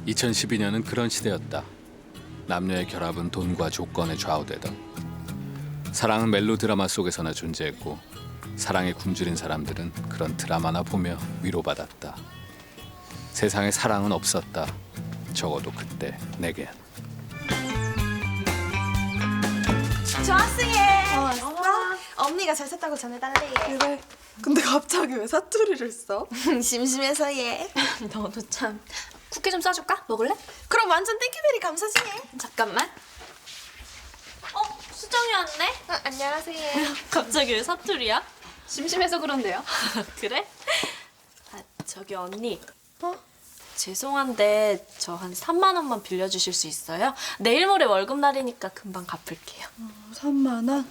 2012년은 그런 시대였다. 남녀의 결합은 돈과 조건에 좌우되던. 사랑은 멜로드라마 속에서나 존재했고 사랑에 굶주린 사람들은 그런 드라마나 보며 위로받았다. 세상에 사랑은 없었다. 적어도 그때 내겐. 좋았어 얘. 왔어? 언니가 잘 샀다고 전해달래 얘. 그래. 근데 갑자기 왜 사투리를 써? 심심해서 얘. 너도 참. 쿠키 좀 싸줄까? 먹을래? 그럼 완전 땡큐베리 감사지 얘. 잠깐만. 수정이 왔네? 안녕하세요 얘. 갑자기 왜 사투리야? 심심해서 그런데요. 그래? 아, 저기 언니. 죄송한데 저 한 3만 원만 빌려주실 수 있어요? 내일 모레 월급날이니까 금방 갚을게요. 3만 원?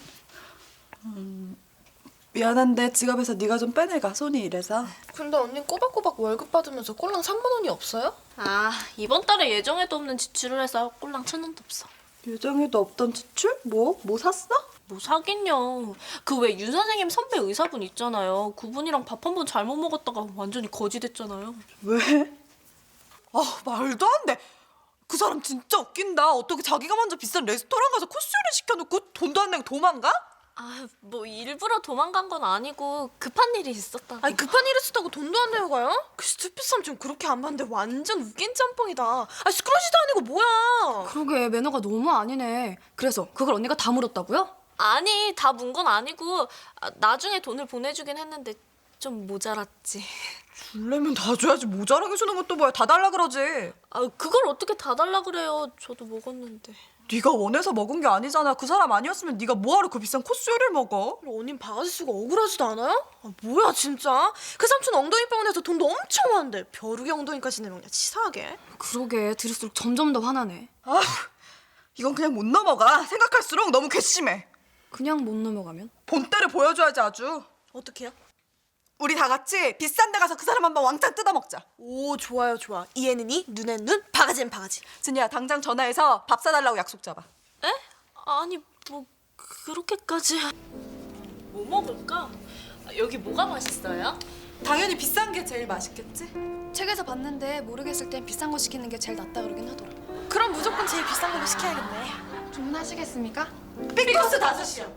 미안한데 지갑에서 네가 좀 빼내가. 손이 이래서. 근데 언니 꼬박꼬박 월급 받으면서 꼴랑 3만 원이 없어요? 아, 이번 달에 예정에도 없는 지출을 해서 꼴랑 1,000원도 없어. 예정에도 없던 지출? 뭐 샀어? 뭐 사긴요. 그 왜 윤 선생님 선배 의사분 있잖아요. 그분이랑 밥 한 번 잘못 먹었다가 완전히 거지 됐잖아요. 왜? 아 말도 안 돼. 그 사람 진짜 웃긴다. 어떻게 자기가 먼저 비싼 레스토랑 가서 코스요리 시켜놓고 돈도 안 내고 도망가? 아, 뭐 일부러 도망간 건 아니고 급한 일이 있었다고. 아니 급한 일 있었다고 돈도 안 내고 가요? 그 스튜피 삼촌 그렇게 안 봤는데 완전 웃긴 짬뽕이다. 아 스크러시도 아니고 뭐야. 그러게 매너가 너무 아니네. 그래서 그걸 언니가 다 물었다고요? 아니, 다 문 건 아니고 나중에 돈을 보내주긴 했는데 좀 모자랐지. 줄래면 다 줘야지. 모자라게 주는 것도 뭐야. 다 달라 그러지. 아, 그걸 어떻게 다 달라 그래요. 저도 먹었는데. 네가 원해서 먹은 게 아니잖아. 그 사람 아니었으면 네가 뭐하러 그 비싼 코스요리를 먹어? 언닌 바가지 쓰고 억울하지도 않아요? 아, 뭐야 진짜? 그 삼촌 엉덩이 병원에서 돈도 엄청 많은데 벼룩이 엉덩이까지 내먹냐 치사하게. 그러게 들을수록 점점 더 화나네. 아, 이건 그냥 못 넘어가. 생각할수록 너무 괘씸해. 그냥 못 넘어가면? 본때를 보여줘야지 아주. 어떡해요? 우리 다 같이 비싼 데 가서 그 사람 한번 왕창 뜯어먹자. 오 좋아요 좋아. 이에는 이 눈엔 눈 바가지엔 바가지. 진이야 당장 전화해서 밥 사달라고 약속 잡아. 에? 아니, 뭐 그렇게까지. 뭐 먹을까? 여기 뭐가 맛있어요? 당연히 비싼 게 제일 맛있겠지? 책에서 봤는데 모르겠을 땐 비싼 거 시키는 게 제일 낫다 그러긴 하더라. 그럼 무조건 제일 비싼 걸로 시켜야겠네. 주문하시겠습니까? 삐코스 5시요.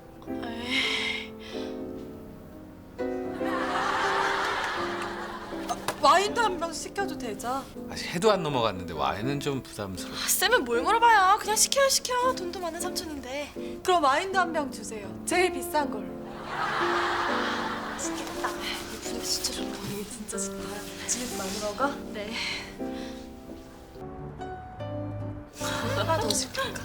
와인도 한 병 시켜도 되죠? 아직 해도 안 넘어갔는데 와인은 좀 부담스러워. 쌤은 뭘 물어봐요. 그냥 시켜요 시켜. 돈도 많은 삼촌인데. 그럼 와인도 한 병 주세요. 제일 비싼 걸로. 맛있겠다. 이 분위기 진짜 좋다. 이게 진짜 좋다. 집에서 많이 먹어? 네. 하나 더 시킬까?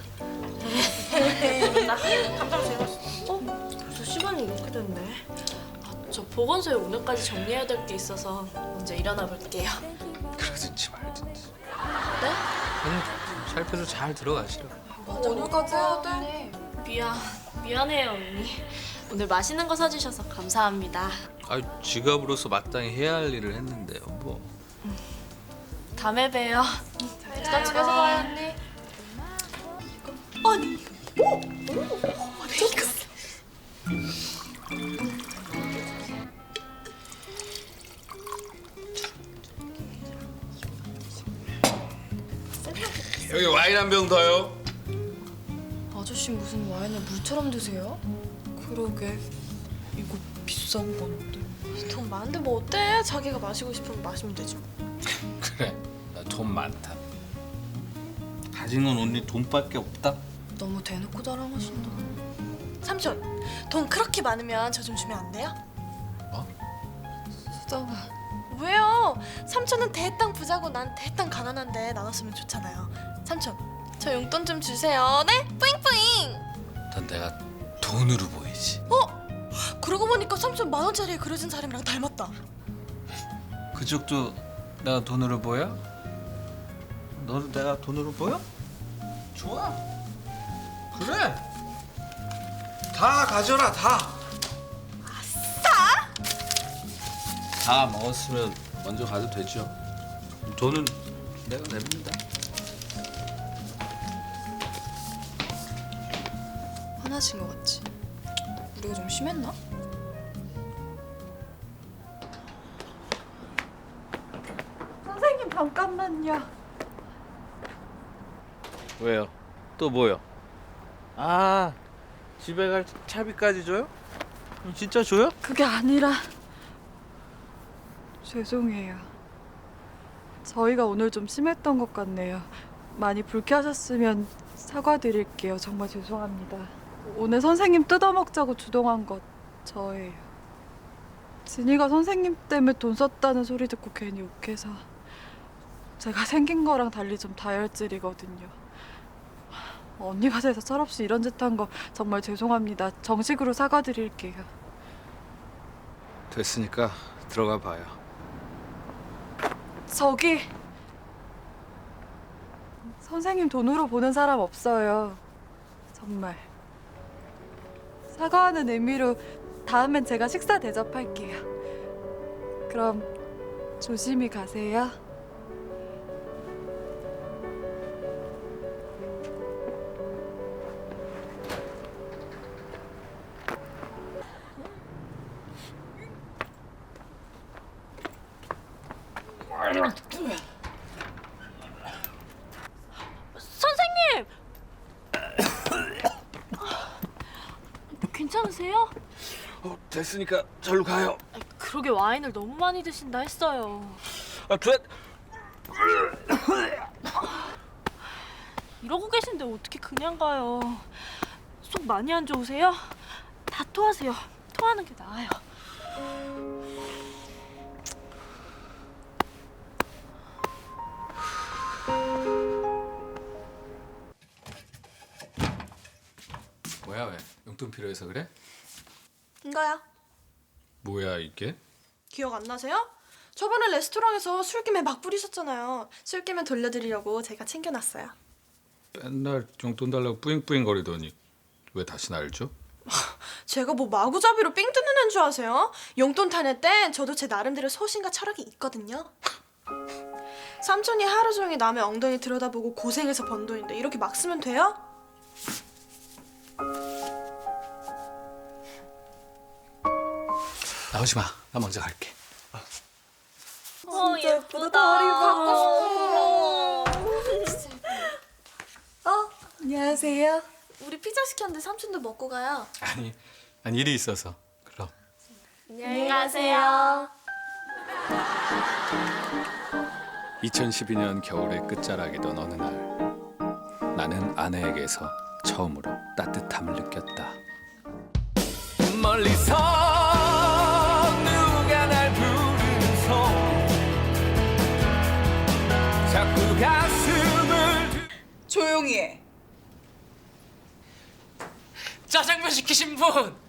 감자가 제일 맛있어. 벌써 시간이 이렇게 됐네. 아, 저 보건소에 오늘까지 정리해야 될 게 있어서 먼저 일어나 볼게요. 그러든지 말든지. 네? 아니 살펴서 잘 들어가시라. 오늘까지 해야 돼? 미안해요, 언니. 오늘 맛있는 거 사주셔서 감사합니다. 아 지갑으로서 마땅히 해야 할 일을 했는데요. 뭐 다음에 봬요. 일단 집에서 봐요, 언니. 여기 와인 한 병 더요. 아저씨 무슨 와인을 물처럼 드세요? 그러게. 이거 비싼 건데. 돈 많은데 뭐 어때? 자기가 마시고 싶으면 마시면 되지 뭐. 그래 나 돈 많다. 가진 건 언니 돈밖에 없다. 너무 대놓고 자랑하신다. 삼촌 돈 그렇게 많으면 저 좀 주면 안 돼요? 수정아. 왜요? 삼촌은 대땅 부자고 난 대땅 가난한데 나눴으면 좋잖아요. 삼촌 저 용돈 좀 주세요. 네? 뿌잉뿌잉. 넌 내가 돈으로 보이지. 그러고 보니까 삼촌 10,000원짜리에 그려진 사람이랑 닮았다. 그쪽도 내가 돈으로 보여? 너도 내가 돈으로 보여? 좋아. 그래. 다 가져라 다. 아싸. 다 먹었으면 먼저 가도 되죠. 돈은 내가 냅니다. 화나신 것 같지? 우리가 좀 심했나? 선생님 잠깐만요. 왜요? 또 뭐요? 아, 집에 갈 차비까지 줘요? 진짜 줘요? 그게 아니라 죄송해요. 저희가 오늘 좀 심했던 것 같네요. 많이 불쾌하셨으면 사과드릴게요. 정말 죄송합니다. 오늘 선생님 뜯어먹자고 주동한 것 저예요. 진이가 선생님 때문에 돈 썼다는 소리 듣고 괜히 욱해서 제가 생긴 거랑 달리 좀 다혈질이거든요. 언니가 돼서 철없이 이런 짓 한 거 정말 죄송합니다. 정식으로 사과드릴게요. 됐으니까 들어가 봐요. 저기 선생님 돈으로 보는 사람 없어요. 정말 사과하는 의미로 다음엔 제가 식사 대접할게요. 그럼 조심히 가세요. 선생님! 괜찮으세요? 됐으니까 절로 가요. 그러게 와인을 너무 많이 드신다 했어요. 이러고 계신데 어떻게 그냥 가요? 속 많이 안 좋으세요? 다 토하세요. 토하는 게 나아요. 뭐야 왜? 용돈 필요해서 그래? 이거요. 뭐야 이게? 기억 안 나세요? 저번에 레스토랑에서 술김에 막 부리셨잖아요. 술김에 돌려드리려고 제가 챙겨놨어요. 맨날 용돈 달라고 뿌잉뿌잉 거리더니 왜 다시 날 줘? 제가 뭐 마구잡이로 삥 뜯는 애인 줄 아세요? 용돈 타낼 땐 저도 제 나름대로 소신과 철학이 있거든요. 삼촌이 하루 종일 남의 엉덩이 들여다보고 고생해서 번 돈인데 이렇게 막 쓰면 돼요? 나오지 마. 나 먼저 갈게. 진짜 예쁘다. 머리 안녕하세요. 우리 피자 시켰는데 삼촌도 먹고 가요. 아니 일이 있어서. 그럼. 안녕히 가세요. 2012년 겨울의 끝자락이던 어느 날 나는 아내에게서 처음으로 따뜻함을 느꼈다. 멀리서 누가 날 부르는 손 자꾸 가슴을 조용히 해. 짜장면 시키신 분